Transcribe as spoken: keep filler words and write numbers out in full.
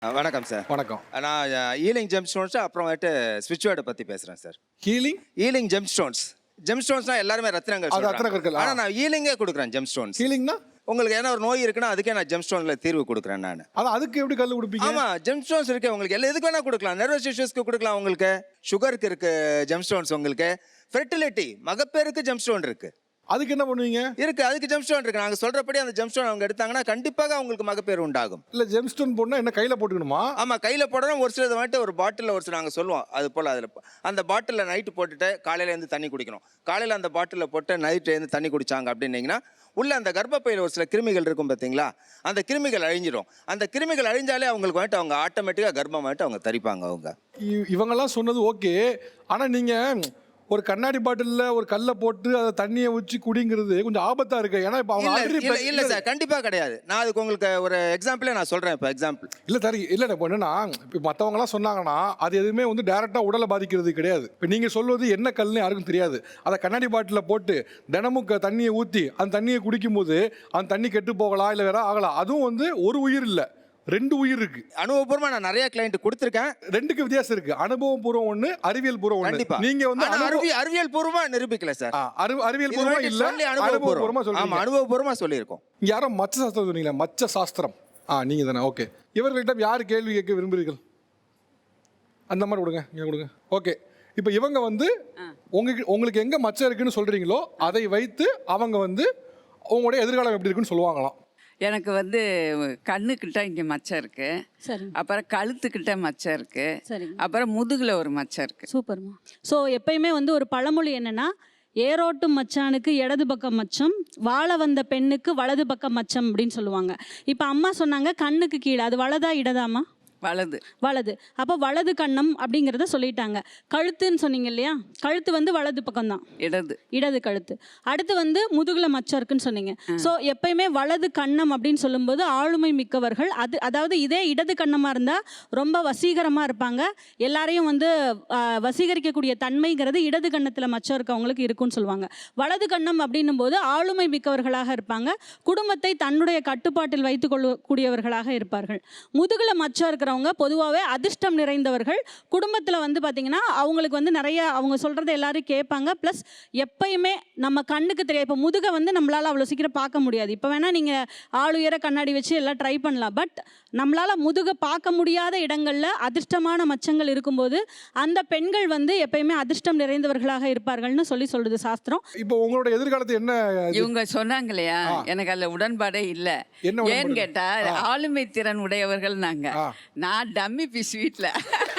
அ வணக்கம் சார். வணக்கம். நான் ஹீலிங் ஜெம் ஸ்டோன்ஸ் அப்புறமேட்டு ஸ்விட்ச் வேர்டை பற்றி பேசுகிறேன் sir. Healing healing gemstones ஜெம் ஸ்டோன்ஸ்னா எல்லாருமே ரத்னங்கள் அது ரத்தின கற்கள். ஆனால் நான் ஹீலிங்கே கொடுக்குறேன் ஜெம் ஸ்டோன்ஸ். ஹீலிங்னா உங்களுக்கு ஏன்னா ஒரு நோய் இருக்குன்னா அதுக்கே நான் ஜெம் ஸ்டோன்ல தீர்வு கொடுக்குறேன் நான். அது அதுக்கு எப்படி கல் கொடுப்பீங்க? ஆமா ஜெம் ஸ்டோன்ஸ் இருக்கு உங்களுக்கு எல்லா எதுக்கு வேணா கொடுக்கலாம். நர்வஸ் இஷ்யூஸ்க்கு கொடுக்கலாம், உங்களுக்கு சுகருக்கு இருக்கு ஜெம் ஸ்டோன்ஸ், உங்களுக்கு ஃபெர்டிலிட்டி மகப்பேருக்கு ஜெம் ஸ்டோன் இருக்கு. அதுக்கு என்ன பண்ணுவீங்க? இருக்கு அதுக்கு ஜெம் ஸ்டோன் இருக்கு. நாங்க சொல்றபடி அந்த ஜெம் ஸ்டோன் அவங்க எடுத்தாங்கன்னா கண்டிப்பாக அவங்களுக்கு மகப்பேறு உண்டாகும். இல்ல ஜெம் ஸ்டோன் போடனா என்ன கையில போட்டுக்கணுமா? ஆமா கையில போடணும். ஒரு சிலது வந்துட்டு ஒரு பாட்டில் ஒரு சில நாங்கள் சொல்லுவோம் அது போல் அதில் அந்த பாட்டிலில் நைட்டு போட்டுட்டு காலையில இருந்து தண்ணி குடிக்கணும். காலையில் அந்த பாட்டிலில் போட்டு நைட்டு இருந்து தண்ணி குடிச்சாங்க அப்படின்னீங்கன்னா உள்ள அந்த கர்ப்பப்பையில் ஒரு சில கிருமிகள் இருக்கும் பார்த்தீங்களா, அந்த கிருமிகள் அழிஞ்சிடும். அந்த கிருமிகள் அழிஞ்சாலே அவங்களுக்கு வந்துட்டு அவங்க ஆட்டோமேட்டிக்காக கர்ப்பம் வந்துட்டு அவங்க தரிப்பாங்க. அவங்க இ- இவங்கெல்லாம் சொன்னது ஓகே. ஆனா நீங்க ஒரு கண்ணாடி பாட்டில்ல ஒரு கல்லை போட்டு அதை தண்ணியை ஊற்றி குடிங்கிறது கொஞ்சம் ஆபத்தா இருக்கு. ஏன்னா இப்ப அவங்க இல்ல already இல்ல pe- இல்ல சார் கண்டிப்பா கிடையாது. நான் அதுக்கு உங்களுக்கு ஒரு எக்ஸாம்பிளே நான் சொல்றேன். இப்போ எக்ஸாம்பிள் இல்ல தரி இல்ல இப்போ என்னன்னா இப்போ மற்றவங்க எல்லாம் சொன்னாங்கன்னா அது எதுவுமே வந்து டைரக்டா உடலை பாதிக்கிறது கிடையாது. இப்போ நீங்க சொல்வது என்ன கல்லுன்னு யாருக்கும் தெரியாது. அதை கண்ணாடி பாட்டில போட்டு தினமும் க- தண்ணியை ஊற்றி அந்த தண்ணியை குடிக்கும் போது அந்த தண்ணி கெட்டு போகலாம், இல்லை வேற ஆகலாம். அதுவும் வந்து ஒரு உயிர் இல்லை, ரெண்டு உயிர் இருக்கு. அனுபவபூர்வமா நான் நிறைய கிளைண்ட் கொடுத்துருக்கேன். ரெண்டுக்கு வித்தியாசம் இருக்கு. அனுபவம் பூர்வம் ஒண்ணு, அறிவியல் பூர்வம் ஒண்ணு. கண்டிப்பா நீங்க வந்து ஆனா அனுபவ- அறிவியல் அறிவியல் பூர்வமா நிரூபிக்கல சார். ஆ, அறிவு- அறிவியல் இது பூர்வமா வந்துட்டு இல்ல, சொல்லி அனுபவ பூர்வமா அனுபவபூர்வமா சொல்றீங்க. ஆமா அனுபவபூர்வமா சொல்லியிருக்கோம். இங்க யாரோ மச்ச சாஸ்திரம் சொன்னீங்களா? மச்ச சாஸ்திரம். ஆ நீங்க தானே? ஓகே. இவர்களிடம் யார் கேள்வி கேட்க விரும்புகிறீர்கள்? அந்த மாதிரி கொடுங்க, இங்க கொடுங்க. ஓகே. இப்போ இவங்க வந்து உங்களுக்கு உங்களுக்கு எங்க மச்சம் இருக்குன்னு சொல்றீங்களோ அதை வைத்து அவங்க வந்து உங்களுடைய எதிர்காலம் எப்படி இருக்குன்னு சொல்லுவாங்களாம். எனக்கு வந்து கண்ணுக்கிட்ட இங்கே மச்சம் இருக்கு, சரி அப்புறம் கழுத்துக்கிட்ட மச்சம் இருக்கு, சரி அப்புறம் முதுகுல ஒரு மச்சம் இருக்கு. சூப்பர்மா. ஸோ எப்பயுமே வந்து ஒரு பழமொழி என்னன்னா, ஏரோட்டும் மச்சானுக்கு இடது பக்கம் மச்சம், வாழ வந்த பெண்ணுக்கு வலது பக்கம் மச்சம் அப்படின்னு சொல்லுவாங்க. இப்போ அம்மா சொன்னாங்க கண்ணுக்கு கீழே, அது வலதா இடதாம்மா? வலது. வலது. அப்போ வலது கண்ணம் அப்படிங்கிறத சொல்லிட்டாங்க. கழுத்துன்னு சொன்னீங்க இல்லையா, கழுத்து வந்து வலது பக்கம்தான், இடது. இடது கழுத்து. அடுத்து வந்து முதுகுல மச்சம் இருக்குன்னு சொன்னீங்க. ஸோ எப்பயுமே வலது கண்ணம் அப்படின்னு சொல்லும்போது ஆளுமை மிக்கவர்கள். அது அதாவது இதே இடது கண்ணமாக இருந்தால் ரொம்ப வசீகரமாக இருப்பாங்க, எல்லாரையும் வந்து ஆஹ், வசீகரிக்கக்கூடிய தன்மைங்கிறது இடது கண்ணத்தில் மச்சம் இருக்கவங்களுக்கு இருக்குன்னு சொல்லுவாங்க. வலது கண்ணம் அப்படின்னும் போது ஆளுமை மிக்கவர்களாக இருப்பாங்க, குடும்பத்தை தன்னுடைய கட்டுப்பாட்டில் வைத்துக் கொள்ளக்கூடியவர்களாக இருப்பார்கள். முதுகுல மச்சம் இருக்கிறவங்க பொதுவாகவே அதிர்ஷ்டம் நிறைந்தவர்கள். குடும்பத்தில் வந்து பார்த்தீங்கன்னா அவங்களுக்கு வந்து நிறைய அவங்க சொல்கிறத எல்லாரும் கேட்பாங்க. ப்ளஸ் எப்பயுமே நம்ம கண்ணுக்கு தெரியாது. இப்போ முதுகை வந்து நம்மளால் அவ்வளோ சீக்கிரம் பார்க்க முடியாது. இப்போ வேணால் நீங்கள் ஆளுயர கண்ணாடி வச்சு எல்லாம் ட்ரை பண்ணலாம். பட் நம்மளால் முதுகை பார்க்க முடியாத இடங்களில் அதிர்ஷ்டமான மச்சங்கள் இருக்கும்போது அந்த பெண்கள் வந்து எப்பயுமே அதிர்ஷ்டம் நிறைந்தவர்களாக இருப்பார்கள்னு சொல்லி சொல்லுது சாஸ்திரம். இப்போ உங்களோட எதிர்காலத்தை என்ன இவங்க சொன்னாங்க இல்லையா, எனக்கு அதில் உடன்பாடே இல்லை. என்ன உடன்பாடு? ஏன்னு கேட்டா ஆளுமை திறன் உடையவர்கள் நாங்க. ஆ. நான் டம்மி பீஸ் வீட்டில்